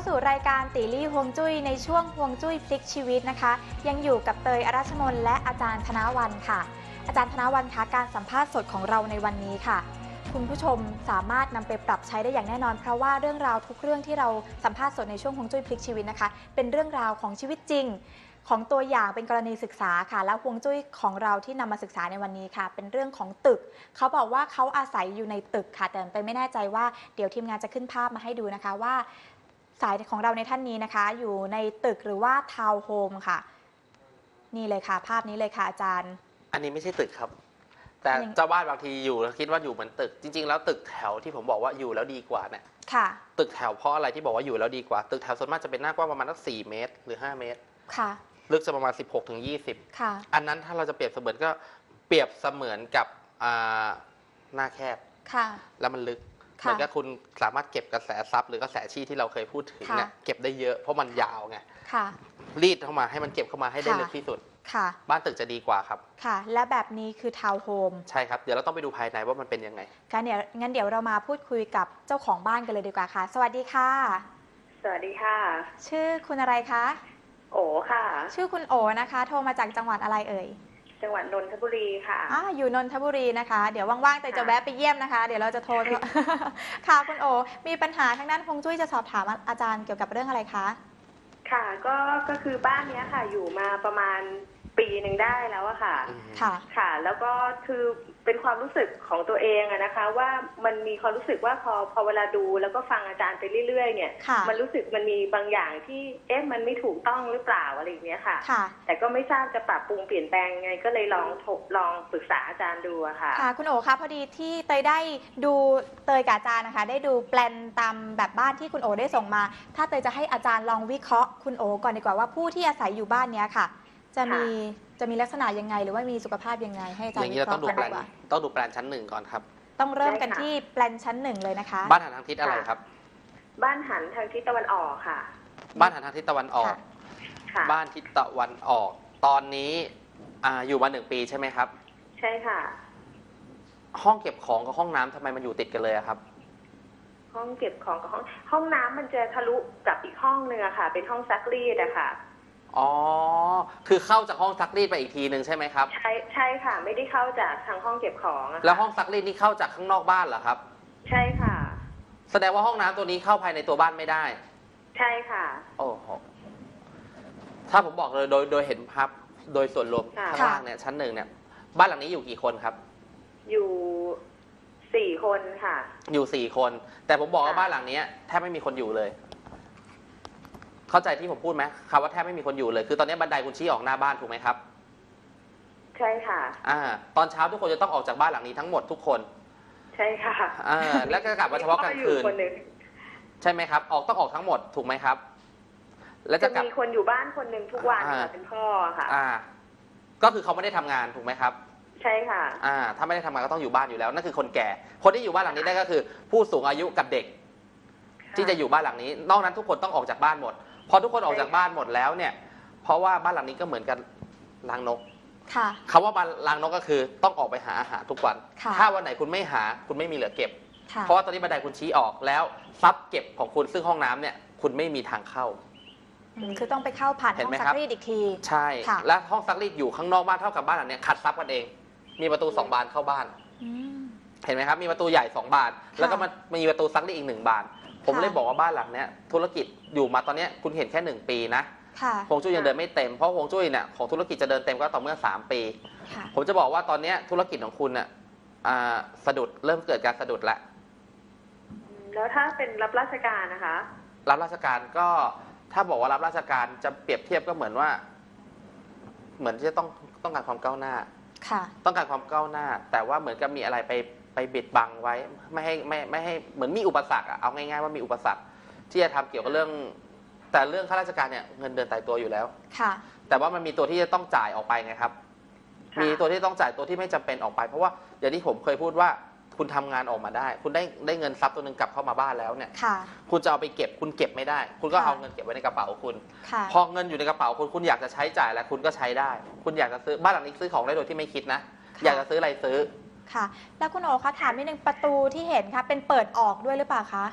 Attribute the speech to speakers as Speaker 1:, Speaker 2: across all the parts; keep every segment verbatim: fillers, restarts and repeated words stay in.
Speaker 1: สู่รายการตีลี่ฮวงจุ้ยในช่วงฮวงจุ้ยพลิกชีวิตนะคะยังอยู่กับเตยอรัชมนและอาจารย์ธนวันค่ะอาจารย์ธนวันคะการสัมภาษณ์สดของเราในวันนี้ค่ะคุณผู้ชมสามารถนำไปปรับใช้ได้อย่างแน่นอนเพราะว่าเรื่องราวทุกเรื่องที่เราสัมภาษณ์สดในช่วงฮวงจุ้ยพลิกชีวิตนะคะเป็นเรื่องราวของชีวิตจริงของตัวอย่างเป็นกรณีศึกษาค่ะแล้วฮวงจุ้ยของเราที่นำมาศึกษาในวันนี้ค่ะเป็นเรื่องของตึกเขาบอกว่าเขาอาศัยอยู่ในตึกค่ะแต่ไปไม่แน่ใจว่าเดี๋ยวทีมงานจะขึ้นภาพมาให้ดูนะคะว่าสายของเราในท่านนี้นะคะอยู่ในตึกหรือว่าทาวน์โฮมค่ะนี่เลยค่ะภาพนี้เลยค่ะอาจารย์
Speaker 2: อันนี้ไม่ใช่ตึกครับแต่เจ้าบ้านบางทีอยู่แล้วคิดว่าอยู่เหมือนตึกจริงๆแล้วตึกแถวที่ผมบอกว่าอยู่แล้วดีกว่าเนี่ย
Speaker 1: ค่ะ
Speaker 2: ตึกแถวเพราะอะไรที่บอกว่าอยู่แล้วดีกว่าตึกแถวส่วนมากจะเป็นหน้ากว้างประมาณสักสี่เมตรหรือห้าเมตร
Speaker 1: ค่ะ
Speaker 2: ลึกจะประมาณสิบหกถึงยี่สิบ
Speaker 1: ค่ะ
Speaker 2: อันนั้นถ้าเราจะเปรียบเสมือนก็เปรียบเสมือนกับหน้าแคบ
Speaker 1: ค่ะ
Speaker 2: แล้วมันลึกเหมือนกับคุณสามารถเก็บกระแสซับหรือกระแสชี้ที่เราเคยพูดถึงเนี่ยเก็บได้เยอะเพราะมันยาวไงรีดเข้ามาให้มันเก็บเข้ามาให้ได้ลึกที่สุดบ้านตึกจะดีกว่าครับ
Speaker 1: ค่ะและแบบนี้คือทาวน์โฮม
Speaker 2: ใช่ครับเดี๋ยวเราต้องไปดูภายในว่ามันเป็นยังไง
Speaker 1: งั้นเดี๋ยวงั้นเดี๋ยวเรามาพูดคุยกับเจ้าของบ้านกันเลยดีกว่าค่ะสวัสดีค่ะ
Speaker 3: สวัสดีค่ะ
Speaker 1: ชื่อคุณอะไรคะ
Speaker 3: โอค่ะ
Speaker 1: ชื่อคุณโอนะคะโทรมาจากจังหวัดอะไรเอ่ย
Speaker 3: จังหวัดนนทบุรีค่ะ
Speaker 1: อ่าอยู่นนทบุรีนะคะเดี๋ยวว่างๆแต่จะแวะไปเยี่ยมนะคะเดี๋ยวเราจะโทร ค่ะคุณโอมีปัญหาทางด้านฮวงจุ้ยจะสอบถามอาจารย์เกี่ยวกับเรื่องอะไรคะ
Speaker 3: ค่ะก็ก็คือบ้านนี้ค่ะอยู่มาประมาณปีหนึ่งได้แล้วอะค่ะ
Speaker 1: ค่ะ
Speaker 3: ค่ะแล้วก็คือเป็นความรู้สึกของตัวเองอะนะคะว่ามันมีความรู้สึกว่าพอพอเวลาดูแล้วก็ฟังอาจารย์ไปเรื่อยๆเนี่ยมันรู้สึกมันมีบางอย่างที่เอ๊ะมันไม่ถูกต้องหรือเปล่าอะไรอย่างเงี้ยค่ะแต่ก็ไม่ทราบจะปรับปรุงเปลี่ยนแปลงไงก็เลยลองลองปรึกษาอาจารย์ดูอะค่ะ
Speaker 1: ค่ะคุณโอคะพอดีที่เตยได้ดูเตยกับอาจารย์นะคะได้ดูแปลนตามแบบบ้านที่คุณโอได้ส่งมาถ้าเตยจะให้อาจารย์ลองวิเคราะห์คุณโอก่อนดีกว่าว่าผู้ที่อาศัยอยู่บ้านนี้ค่ะจะมีจะมีลักษณะยังไงหรือว่ามีสุขภาพยังไงให้อาจารย์วิเคราะห์กันดีกว่า
Speaker 2: ต้องดูแปลนชั้นหนึ่งก่อนครับ
Speaker 1: ต้องเริ่มกันที่แปลนชั้นหนึ่งเลยนะคะ
Speaker 2: บ้านหันทางทิศอะไรครับ
Speaker 3: บ้านหันทางทิศตะวันออกค่ะ
Speaker 2: บ้านหันทางทิศตะวันออกบ้านทิศตะวันออกตอนนี้อ่าอยู่มาหนึ่งปีใช่ไหมครับ
Speaker 3: ใช่ค่ะ
Speaker 2: ห้องเก็บของกับห้องน้ำทำไมมันอยู่ติดกันเลยครับ
Speaker 3: ห้องเก็บของกับห้องห้องน้ำมันจะทะลุกับอีกห้องนึงอะค่ะเป็นห้องซักรีดอะค่ะ
Speaker 2: อ๋อคือเข้าจากห้องซักรีดไปอีกทีหนึ่งใช่ไหมครับ
Speaker 3: ใช่ใช่ค่ะไม่ได้เข้าจากทางห้องเก็บของ
Speaker 2: แล้วห้องซักรีดนี่เข้าจากข้างนอกบ้านเหรอครับ
Speaker 3: ใช่ค่ะ
Speaker 2: แสดงว่าห้องน้ำตัวนี้เข้าภายในตัวบ้านไม่ได้
Speaker 3: ใช่ค่ะ
Speaker 2: โอ้โหถ้าผมบอกเลยโดยโดยเห็นภาพโดยส่วนรวมข้างล่างเนี่ยชั้นหนึ่งเนี่ยบ้านหลังนี้อยู่กี่คนครับ
Speaker 3: อยู่สี่คนค่ะ
Speaker 2: อยู่สี่คนแต่ผมบอกว่าบ้านหลังนี้แทบไม่มีคนอยู่เลยเข้าใจที่ผมพูดไหมคำว่าแทบไม่มีคนอยู่เลยคือตอนนี้บันไดคุณชี้ออกหน้าบ้านถูกไหมครับ
Speaker 3: ใช่ค่ะ
Speaker 2: อ่าตอนเช้าทุกคนจะต้องออกจากบ้านหลังนี้ทั้งหมดทุกคน
Speaker 3: ใช่ค่ะ
Speaker 2: อ่าแล้วก็กลับมาเฉพาะกลางคืนใช่ไหมครับออกต้องออกทั้งหมดถูกไหมครับ
Speaker 3: แล้วจะมีคนอยู่บ้านคนหนึ่งทุกวันเป็นพ่อค่ะ
Speaker 2: อ่าก็คือเขาไม่ได้ทำงานถูกไหมครับ
Speaker 3: ใช่ค่ะ
Speaker 2: อ่าถ้าไม่ได้ทำงานก็ต้องอยู่บ้านอยู่แล้วนั่นคือคนแก่คนที่อยู่บ้านหลังนี้ได้ก็คือผู้สูงอายุกับเด็กที่จะอยู่บ้านหลังนี้นอกนั้นทุกคนต้องออกจากบ้านหมดพอทุกคนออกจากบ้านหมดแล้วเนี่ยเพราะว่าบ้านหลังนี้ก็เหมือนกันรังนกคำว่าบ้านรังนกก็คือต้องออกไปหาอาหารทุกวันถ้าวันไหนคุณไม่หาคุณไม่มีเหลือเก็บเพราะว่าตอนนี้บันไดคุณชี้ออกแล้วทรัพย์เก็บของคุณซึ่งห้องน้ำเนี่ยคุณไม่มีทางเข้า
Speaker 1: คือต้องไปเข้าผ่านห้องซักรีดอีกที
Speaker 2: ใช่และห้องซักรีดอยู่ข้างนอกบ้านเท่ากับบ้านหลังนี้ขัดทรัพย์กันเองมีประตูสองบานเข้าบ้านเห็นไหมครับมีประตูใหญ่สองบานแล้วก็มีประตูซักรีดอีกหนึ่งบานผมเลยบอกว่าบ้านหลังเนี้ยธุรกิจอยู่มาตอนนี้คุณเห็นแค่หนึ่งปีนะฮวงจุ้ยยังเดินไม่เต็มเพราะฮวงจุ้ยเนี่ยของธุรกิจจะเดินเต็มก็ต่อเมื่อสามปีผมจะบอกว่าตอนนี้ธุรกิจของคุณเนี่ยสะดุดเริ่มเกิดการสะดุดแล้ว
Speaker 3: แล้วถ้าเป็นรับราชการนะคะ
Speaker 2: รับราชการก็ถ้าบอกว่ารับราชการจะเปรียบเทียบก็เหมือนว่าเหมือนจะต้องต้องการความก้าวหน้าต้องการความก้าวหน้าแต่ว่าเหมือนกับมีอะไรไปไปบิดบังไว้ไม่ให้ไม่ไม่ให้เหมือนมีอุปสรรคอะเอาง่ายๆว่ามีอุปสรรคที่จะทำเกี่ยวกับเรื่องแต่เรื่องข้าราชการเนี่ยเงินเดือนตายตัวอยู่แล้วค่ะแต่ว่ามันมีตัวที่จะต้องจ่ายออกไปไงครับมีตัวที่ต้องจ่ายตัวที่ไม่จำเป็นออกไปเพราะว่าอย่างที่ผมเคยพูดว่าคุณทำงานออกมาได้คุณได้ได้เงินทรัพย์ตัวหนึ่งกลับเข้ามาบ้านแล้วเนี่ยคุณจะเอาไปเก็บคุณเก็บไม่ได้คุณก็เอาเงินเก็บไว้ในกระเป๋าคุณพอเงินอยู่ในกระเป๋าคุณคุณอยากจะใช้จ่ายแล้วคุณก็ใช้ได้คุณอยากจะซื้อบ้านหลังนี้ซื้อของได้โดยที่ไม่คิดนะอยากจะซื้ออะไรซื้อ
Speaker 1: ค่ะแล้วคุณโอคะถามนิดนึงประตูที่เห็นค่ะเป็นเปิดออกด้วยหรือเปล่าคะ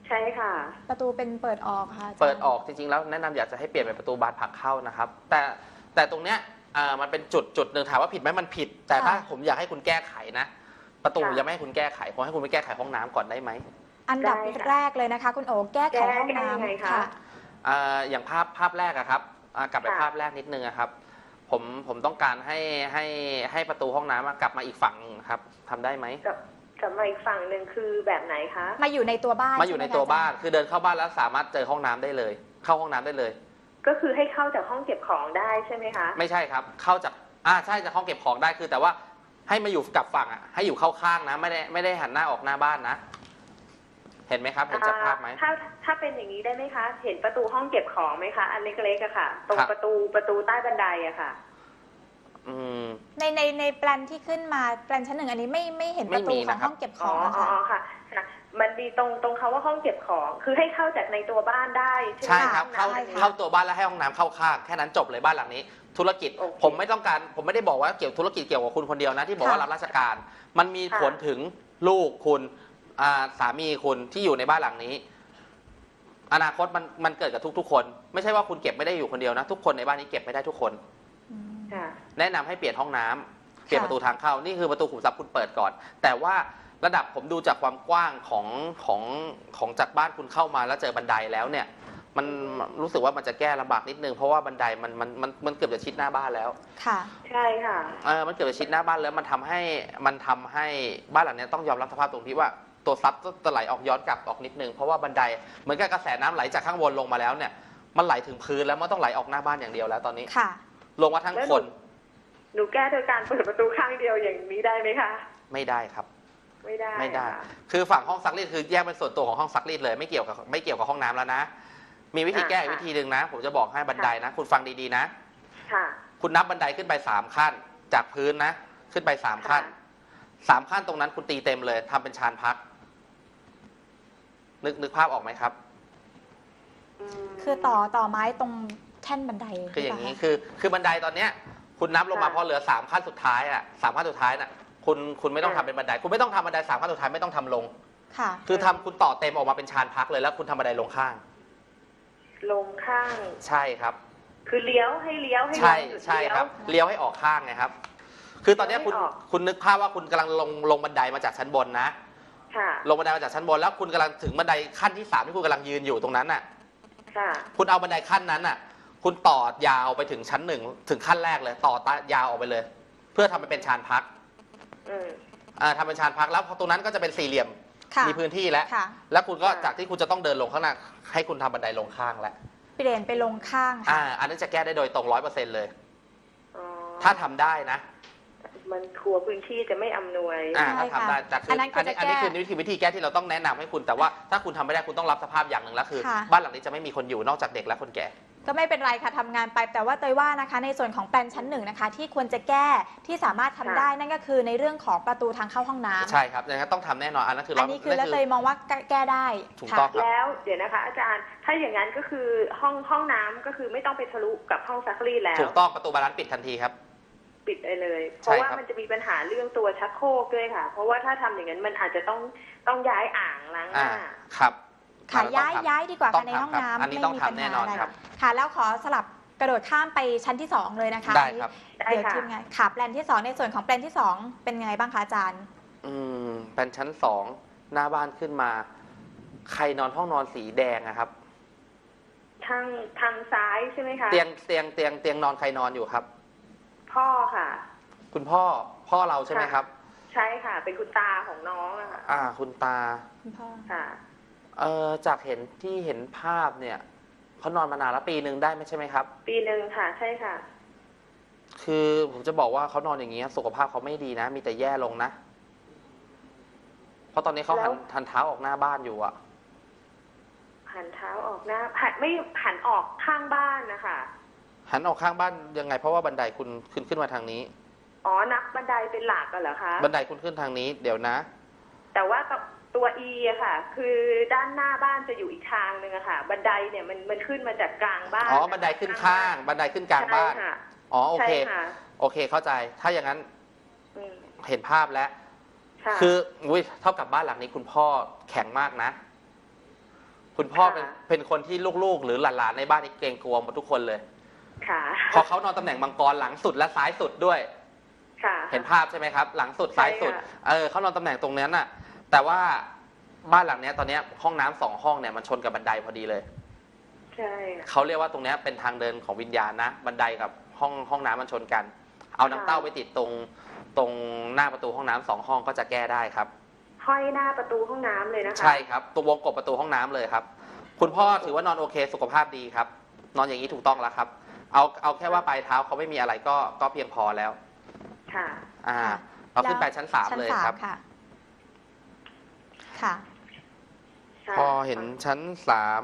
Speaker 3: ใช่ค่ะ
Speaker 1: ประตูเป็นเปิดออกค่ะ
Speaker 2: เปิดออกจริงๆแล้วแนะนำอยากจะให้เปลี่ยนเป็นประตูบานผลักเข้านะครับแต่แต่ตรงเนี้ยอ่ามันเป็นจุดจุดหนึ่งถามว่าผิดไหมมันผิด แต่ถ้าผมอยากให้คุณแก้ไขนะประตูยังไม่ให้คุณแก้ไขผมให้คุณไปแก้ไขห้องน้ำก่อนได้ไหม
Speaker 1: อันดับแรกเลยนะคะคุณโอแก้ไขห้องน้ำค่ะ
Speaker 2: อย่างภาพภาพแรกอะครับกลับไปภาพแรกนิดนึงครับผมผมต้องการให้ให้ให้ประตูห้องน้ำกลับมาอีกฝั่งครับทำได้ไหม
Speaker 3: กลับมาอีกฝั่งหนึ่งคือแบบไหนคะ
Speaker 1: มาอยู่ในตัวบ้าน
Speaker 2: มาอยู่ในตัวบ้านคือเดินเข้าบ้านแล้วสามารถเจอห้องน้ำได้เลยเข้าห้องน้ำได้เลย
Speaker 3: ก็คือให้เข้าจากห้องเก็บของได้ใช่ไหมคะ
Speaker 2: ไม่ใช่ครับเข้าจากอ่าใช่จากห้องเก็บของได้คือแต่ว่าให้มาอยู่กับฝั่งอ่ะให้อยู่เข้าข้างนะไม่ได้ไม่ได้หันหน้าออกหน้าบ้านนะเห็นไหมครับเห็นจากภาพไหม
Speaker 3: ถ้าถ้าเป็นอย่างนี้ได้ไหมคะเห็นประตูห้องเก็บของไหมคะอันเล็กๆอะค่ะตรงประตูประตูใต้บันไดอะค่ะ
Speaker 1: ในในในแปลนที่ขึ้นมาแปลนชั้นหนึ่งอันนี้ไม่ไม่เห็นประตูของห้องเก็บของ
Speaker 3: อ๋อค่ะมันมีตรงตรงเขาว่าห้องเก็บของคือให้เข้าจากในตัวบ้านได้
Speaker 2: ใช่ครับเข้าเข้าตัวบ้านแล้วให้ห้องน้ำเข้าข้างแค่นั้นจบเลยบ้านหลังนี้ธุรกิจผมไม่ต้องการผมไม่ได้บอกว่าเกี่ยวธุรกิจเกี่ยวกับคุณคนเดียวนะที่บอกว่ารับราชการมันมีผลถึงลูกคุณสามีคุณที่อยู่ในบ้านหลังนี้อนาคตมันมันเกิดกับทุกๆคนไม่ใช่ว่าคุณเก็บไม่ได้อยู่คนเดียวนะทุกคนในบ้านนี้เก็บไม่ได้ทุกคนแนะนำให้เปลี่ยนห้องน้ำเปลี่ยนประตูทางเข้านี่คือประตูขุมทรัพย์คุณเปิดก่อนแต่ว่าระดับผมดูจากความกว้างของของของจากบ้านคุณเข้ามาแล้วเจอบันไดแล้วเนี่ยมันรู้สึกว่ามันจะแก้ลำบากนิดนึงเพราะว่าบันไดมันมันมันมันเกือบจะชิดหน้าบ้านแล้ว
Speaker 1: ค่ะ
Speaker 3: ใช่ค่ะ
Speaker 2: เออมันเกือบจะชิดหน้าบ้านแล้วมันทำให้มันทำให้บ้านหลังนี้ต้องยอมรับสภาพตรงที่ว่าตัวซับจะไหลออกย้อนกลับออกนิดนึงเพราะว่าบันไดเหมือนกับกระแสน้ำไหลจากข้างบนลงมาแล้วเนี่ยมันไหลถึงพื้นแล้วมันต้องไหลออกหน้าบ้านอย่างเดียวแล้วตอนนี้
Speaker 1: ค่ะ
Speaker 2: ลงมาทั้งคน
Speaker 3: หนูแก้โดยการเปิดประตูข้างเดียวอย่างนี้ได้ไหมคะ
Speaker 2: ไม่ได้ครับ
Speaker 3: ไม่ได้
Speaker 2: ไม่ได้คือฝั่งห้องซักรีดคือแยกเป็นส่วนตัวของห้องซักรีดเลยไม่เกี่ยวกับไม่เกี่ยวกับห้องน้ำแล้วนะมีวิธีแก้วิธีหนึ่งนะผมจะบอกให้บันไดนะคุณฟังดีๆนะ
Speaker 3: ค่ะ
Speaker 2: คุณนับบันไดขึ้นไปสามขั้นจากพื้นนะขึ้นไปสามขั้นสามขั้นตรงนั้นคุณตีเต็มเลยทำเป็นชานพักนึกนึกภาพออกไหมครับ
Speaker 1: คือต่อต่อไม้ตรงแท่นบันได
Speaker 2: คืออย่างนี้คือคือบันไดตอนเนี้ยคุณนับลงมาพอเหลือสามขั้นสุดท้ายอ่ะสามขั้นสุดท้ายน่ะคุณคุณไม่ต้องทำเป็นบันไดคุณไม่ต้องทำบันไดสามขั้นสุดท้ายไม่ต้องทำลง
Speaker 1: ค่ะ
Speaker 2: คือทำคุณต่อเต็มออกมาเป็นชานพักเลยแล้วคุณทำบันไดลงข้าง
Speaker 3: ลงข้าง
Speaker 2: ใช่ครับ
Speaker 3: คือเลี้ยวให้เลี้ยวให้
Speaker 2: ใช่ใช่ครับเลี้ยวให้ออกข้างไงครับคือตอนนี้คุณคุณนึกภาพว่าคุณกำลังลงลงบันไดมาจากชั้นบนนะลงบันไดมาจากชั้นบนแล้วคุณกำลังถึงบันไดขั้นที่สามที่คุณกำลังยืนอยู่ตรงนั้นน่ะคุณเอาบันไดขั้นนั้นน่ะคุณต่อยาวไปถึงชั้นหนึ่งถึงขั้นแรกเลยต่อยาวออกไปเลยเพื่อทำให้เป็นชานพักอ่าทำเป็นชานพักแล้วพอตรงนั้นก็จะเป็นสี่เหลี่ยมมีพื้นที่แล้วแล้วคุณก็จากที่คุณจะต้องเดินลงข้างหน้าให้คุณทำบันไดลงข้างแล้ว
Speaker 1: เปลี่ยนไปลงข้าง
Speaker 2: อ่าอันนี้จะแก้ได้โดยตรงร้อยเปอร์เซ็นต์เลยถ้าทำได้นะ
Speaker 3: มันครัวพื้นที่จะไม่อำนวย
Speaker 2: อ่าถ้าทำได้แต่คืออันนี้อันนี้คือวิธีวิธีแก้ที่เราต้องแนะนำให้คุณแต่ว่าถ้าคุณทำไม่ได้คุณต้องรับสภาพอย่างหนึ่งแล้วคือบ้านหลังนี้จะไม่มีคนอยู่นอกจากเด็กและคนแก่
Speaker 1: ก็ไม่เป็นไรค่ะทำงานไปแต่ว่าเตยว่านะคะในส่วนของแปลนชั้นหนึ่งนะคะที่ควรจะแก้ที่สามารถทำได้นั่นก็คือในเรื่องของประตูทางเข้าห้องน้ำ
Speaker 2: ใช่ครับอย่างนั้นต้องทำแน่นอนอันนั้นคืออั
Speaker 1: นนี้คือแล้วเตยมองว่าแก้ได้
Speaker 2: ถูกต้อง
Speaker 3: แล้วเดี๋ยวนะคะอาจารย์ถ้าอย่างนั้นก็คือห้องห้องน้ำก็คือไม่ต้องไปทะลุกับห้องซักรีดแล้ว
Speaker 2: ถูกต้องประตูบานนั้นปิดทันทีครับ
Speaker 3: ปิดไปเลยเพราะว่ามันจะมีปัญหาเรื่องตัวชักโครกด้วยค่ะเพราะว่าถ้าทำอย่างนั้นมันอาจจะต้องต้องย้ายอ่างล้างหน้า
Speaker 2: ครับ
Speaker 1: ค่ะย้ายย้ายดีกว่าค่ะในห้องน้ำ
Speaker 2: ไม่มีปัญหาอะไร
Speaker 1: ค่ะแล้วขอสลับกระโดดข้ามไปชั้นที่สองเลยนะคะ
Speaker 2: ได้ครับ
Speaker 1: เดี๋ยวทีมงานค่ะแปลนที่สองในส่วนของแปลนที่สองเป็นไงบ้างคะอาจารย์
Speaker 2: อืมแปลนชั้นสองหน้าบ้านขึ้นมาใครนอนห้องนอนสีแดงนะครับ
Speaker 3: ทางทางซ้ายใช่ไหมคะ
Speaker 2: เตียงเตียงเตียงเตียงนอนใครนอนอยู่ครับ
Speaker 3: พ่อค่ะ
Speaker 2: คุณพ่อพ่อเราใช่ไหมครับ
Speaker 3: ใช่ค่ะเป็นคุณตาของน้องอะค่ะ
Speaker 2: อ่าคุณตา
Speaker 1: คุณพ่อ
Speaker 3: ค่ะ
Speaker 2: เอ่อจากเห็นที่เห็นภาพเนี่ยเขานอนมานานแล้วปีหนึ่งได้ไหมใช่ไหมครับ
Speaker 3: ปีหนึ่งค่ะใช่ค่ะ
Speaker 2: คือผมจะบอกว่าเขานอนอย่างนี้สุขภาพเขาไม่ดีนะมีแต่แย่ลงนะเพราะตอนนี้เขาหันหันเท้าออกหน้าบ้านอยู่อะ
Speaker 3: หันเท้าออกหน้าหันไม่หันออกข้างบ้านนะคะ
Speaker 2: หันออกข้างบ้านยังไงเพราะว่าบันไดคุณขึ้นขึ้นมาทางนี้
Speaker 3: อ๋อนับบันไดเป็นหลักกันเหรอคะ
Speaker 2: บันไดคุณขึ้นทางนี้เดี๋ยวนะ
Speaker 3: แต่ว่าตัว E อะค่ะคือด้านหน้าบ้านจะอยู่อีกทางหนึ่งอะค่ะบันไดเนี่ยมันมันขึ้นมาจากกลางบ้าน
Speaker 2: อ๋อบันไดขึ้นข้างบันไดขึ้นกลางบ้านอ๋อโอเคโอเคเข้าใจถ้าอย่างนั้นเห็นภาพแล้วคืออุ้ยเท่ากับบ้านหลังนี้คุณพ่อแข็งมากนะคุณพ่อเป็นเป็นคนที่ลูกๆ หรือหลานๆในบ้านนี่เกรงกลัวหมดทุกคนเลย
Speaker 3: ค่ะ
Speaker 2: พอเขานอนตำแหน่งมังกรหลังสุดและซ้ายสุดด้วย
Speaker 3: ค่ะ
Speaker 2: เห็นภาพใช่ไหมครับ หลังสุดซ้ายสุดเออเขานอนตำแหน่งตรงนั้นน่ะแต่ว่าบ้านหลังนี้ตอนนี้ห้องน้ำสองห้องเนี่ยมันชนกับบันไดพอดีเลย
Speaker 3: ใช่
Speaker 2: เขาเรียกว่าตรงนี้เป็นทางเดินของวิญญาณนะบันไดกับห้องห้องน้ำมันชนกันเอาน้ำเต้าไปติดตรงตรงหน้าประตูห้องน้ำสองห้องก็จะแก้ได้ครับ
Speaker 3: ห้อยหน้าประตูห้องน้ำเลยนะคะ
Speaker 2: ใช่ครับตัววงกบประตูห้องน้ำเลยครับคุณพ่อถือว่านอนโอเคสุขภาพดีครับนอนอย่างนี้ถูกต้องแล้วครับเอาเอาแค่ว่าปลายเท้าเขาไม่มีอะไรก็ก็เพียงพอแล้ว
Speaker 3: ค่ะ
Speaker 2: อ่าเราขึ้นไปชั้นสามเลยครับ
Speaker 1: ค่ะค่ะ
Speaker 2: พอเห็นชั้นสาม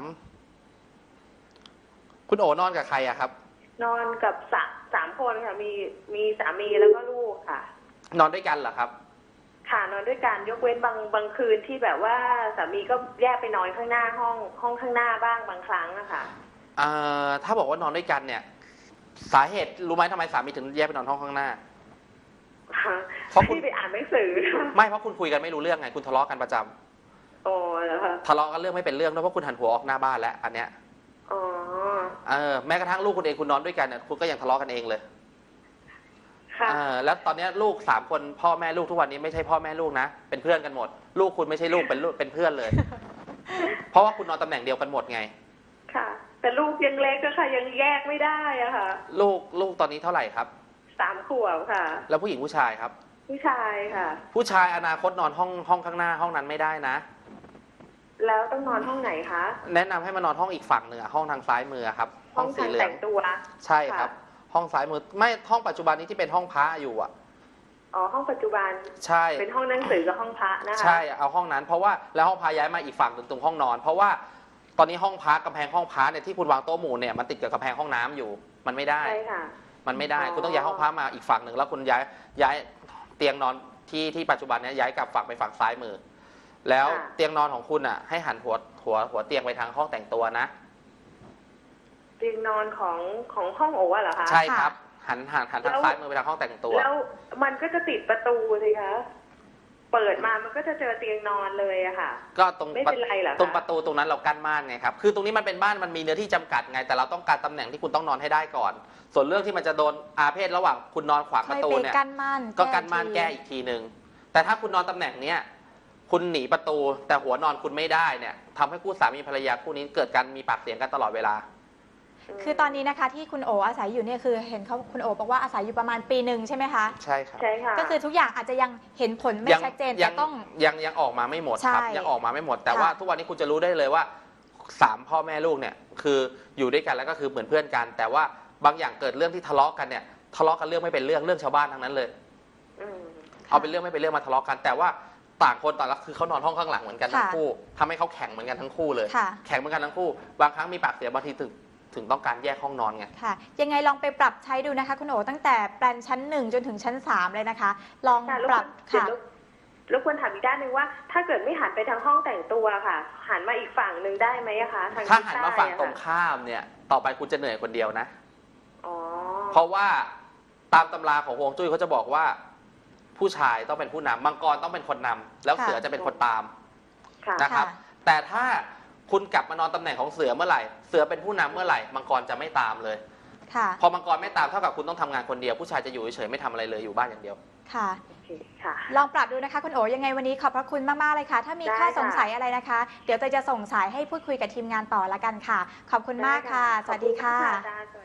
Speaker 2: คุณโอนอนกับใครอะครับ
Speaker 3: นอนกับสามสามคนค่ะมีมีสามีแล้วก็ลูกค่ะ
Speaker 2: นอนด้วยกันเหรอครับ
Speaker 3: ค่ะนอนด้วยกันยกเว้นบางบางคืนที่แบบว่าสามีก็แยกไปนอนข้างหน้าห้องห้องข้างหน้าบ้างบางครั้งนะคะ
Speaker 2: เอ่อถ้าบอกว่านอนด้วยกันเนี่ยสาเหตุรู้ไหมทำไมสามีถึงแยกไปนอนห้องข้างหน้า
Speaker 3: เพราะคุณไปอ่านหนังสือ
Speaker 2: ไม่เพราะคุณคุยกันไม่รู้เรื่องไงคุณทะเลาะกันประจ
Speaker 3: ำโอ้แล้วค่ะ
Speaker 2: ทะเลาะกันเรื่องไม่เป็นเรื่องด้วยเพราะคุณหันหัวออกหน้าบ้านแล้วอันเนี้ย
Speaker 3: อ๋อ
Speaker 2: เออแม้กระทั่งลูกคุณเองคุณนอนด้วยกันเนี่ยคุณก็ยังทะเลาะกันเองเลย
Speaker 3: ค่ะ
Speaker 2: เออแล้วตอนนี้ลูกสามคนพ่อแม่ลูกทุกวันนี้ไม่ใช่พ่อแม่ลูกนะเป็นเพื่อนกันหมดลูกคุณไม่ใช่ลูกเป็นลูกเป็นเพื่อนเลยเพราะว่าคุณนอนตำแหน่งเดียวกันหมดไง
Speaker 3: ค่ะแต่ลูกยังเล็กก็ค่ะยังแยกไม่ได้อะค่ะ
Speaker 2: ลูกลูกตอนนี้เท่าไหร่ครับ
Speaker 3: สามขวบค่ะ
Speaker 2: แล้วผู้หญิงผู้ชายครับ
Speaker 3: ผู้ชายค่ะ
Speaker 2: ผู้ชายอนาคตนอนห้องห้องข้างหน้าห้องนั้นไม่ได้นะ
Speaker 3: แล้วต้องนอนห้องไหนคะ
Speaker 2: แนะนำให้มานอนห้องอีกฝั่งหนึ่งห้องทางซ้ายมือครับ
Speaker 3: ห้องสีเหลืองแต่งตัว
Speaker 2: ใช่ครับห้องซ้ายมือไม่ห้องปัจจุบันนี้ที่เป็นห้องพระอยู่อ่ะ
Speaker 3: อ๋อห้องปัจจุบัน
Speaker 2: ใช่
Speaker 3: เป็นห้องหนังสือกับห้องพระนะคะ
Speaker 2: ใช่เอาห้องนั้นเพราะว่าแล้วห้องพระย้ายมาอีกฝั่งตรงตรงห้องนอนเพราะว่าตอนนี้ห้องพระกำแพงห้องพระเนี่ยที่คุณวางโต๊ะหมู่เนี่ยมันติดกับกำแพงห้องน้ำอยู่มันไม่ได้
Speaker 3: ใช่ค่ะ
Speaker 2: มันไม่ได้คุณต้องย้ายห้องพระมาอีกฝั่งหนึ่งแล้วคุณย้ายย้ายเตียงนอนที่ที่ปัจจุบันนี้ย้ายกลับฝั่งไปฝั่งซ้ายมือแล้วเตียงนอนของคุณอ่ะให้หันหัวหัวหัวเตียงไปทางห้องแต่งตัวนะ
Speaker 3: เตียงนอนของของห้องโอ๋เหรอคะ
Speaker 2: ใช่ครับหันหันหันทางซ้ายมือไปทางห้องแต่งตัว
Speaker 3: แล้วมันก็จะติดประตูสิคะเปิดมามันก็จะเจอเตียงนอนเลยอะค่ะ
Speaker 2: ก็ตรง
Speaker 3: ไม่เป็นไรหรอ
Speaker 2: ตรงประตูตรงนั้นเรากั้นม่านไงครับคือตรงนี้มันเป็นบ้านมันมีเนื้อที่จำกัดไงแต่เราต้องการตำแหน่งที่คุณต้องนอนให้ได้ก่อนส่วนเรื่องที่มันจะโดนอาเพศระหว่างคุณนอนขวางประตูเนี่ยก็กั้นม่านแก้อีกทีนึงแต่ถ้าคุณนอนตำแหน่งเนี้ยคุณหนีประตูแต่หัวนอนคุณไม่ได้เนี่ยทำให้คู่สามีภรรยาคู่นี้เกิดการมีปากเสียงกันตลอดเวลา
Speaker 1: คือตอนนี้นะคะที่คุณโออาศัยอยู่เนี่ยคือเห็นเขาคุณโอบอกว่าอาศัยอยู่ประมาณปีหนึ่งใช่ไหมคะ
Speaker 2: ใช่ครับ
Speaker 3: ใช่ค่ะ
Speaker 1: ก็คือทุกอย่างอาจจะยังเห็นผลไม่ชัดเจนแต่ต้อง
Speaker 2: ยังยังออกมาไม่หมดครับยังออกมาไม่หมดแต่ว่าทุกวันนี้คุณจะรู้ได้เลยว่าสามพ่อแม่ลูกเนี่ยคืออยู่ด้วยกันแล้วก็คือเหมือนเพื่อนกันแต่ว่าบางอย่างเกิดเรื่องที่ทะเลาะกันเนี่ยทะเลาะกันเรื่องไม่เป็นเรื่องเรื่องชาวบ้านทั้งนั้นเลยเอาเป็นเรื่องไม่เป็นเรื่องมาทะเลาะกันแต่ว่าต่างคนต่างก็คือเขานอนห้องข้างหลังเหมือนกันทั้งคู่ทำให้เขาแข่งเหมือนกันทั้งคู่เลยแข่งเหมือนกันทั้งคู่บางครั้งมีปากเสียบางทีถึงถึงต้องการแยกห้องนอนไง
Speaker 1: ค่ะยังไงลองไปปรับใช้ดูนะคะคุณโอตั้งแต่แปลนชั้นหนึ่งจนถึงชั้นสามเลยนะคะลองปรับค่ะ
Speaker 3: รบกวนถามอีกด้านหนึ่งว่าถ้าเกิดไม่หันไปทางห้องแต่งตัวค่ะหันมาอีกฝั่งหนึ่งได้ไหมคะทาง
Speaker 2: ถ้าหันมาฝั่งตรงข้ามเนี่ยต่อไปคุณจะเหนื่อยคนเดียวนะเพราะว่าตามตำราของฮวงจุ้ยเขาจะบอกว่าผู้ชายต้องเป็นผู้นำมังกรต้องเป็นคนนำแล้วเสือจะเป็นคนตามนะครับแต่ถ้าคุณกลับมานอนตำแหน่งของเสือเมื่อไหร่เสือเป็นผู้นำเมื่อไหร่มังกรจะไม่ตามเลยพอมังกรไม่ตามเท่ากับคุณต้องทำงานคนเดียวผู้ชายจะอยู่เฉยๆไม่ทำอะไรเลยอยู่บ้านอย่างเดียว
Speaker 1: ค่ะลองปรับดูนะคะคุณโอยังไงวันนี้ขอบพระคุณมากๆเลยค่ะถ้ามีข้อสงสัยอะไรนะคะเดี๋ยวเตยจะส่งสายให้พูดคุยกับทีมงานต่อละกันค่ะขอบคุณมากค่ะสวัสดีค่ะ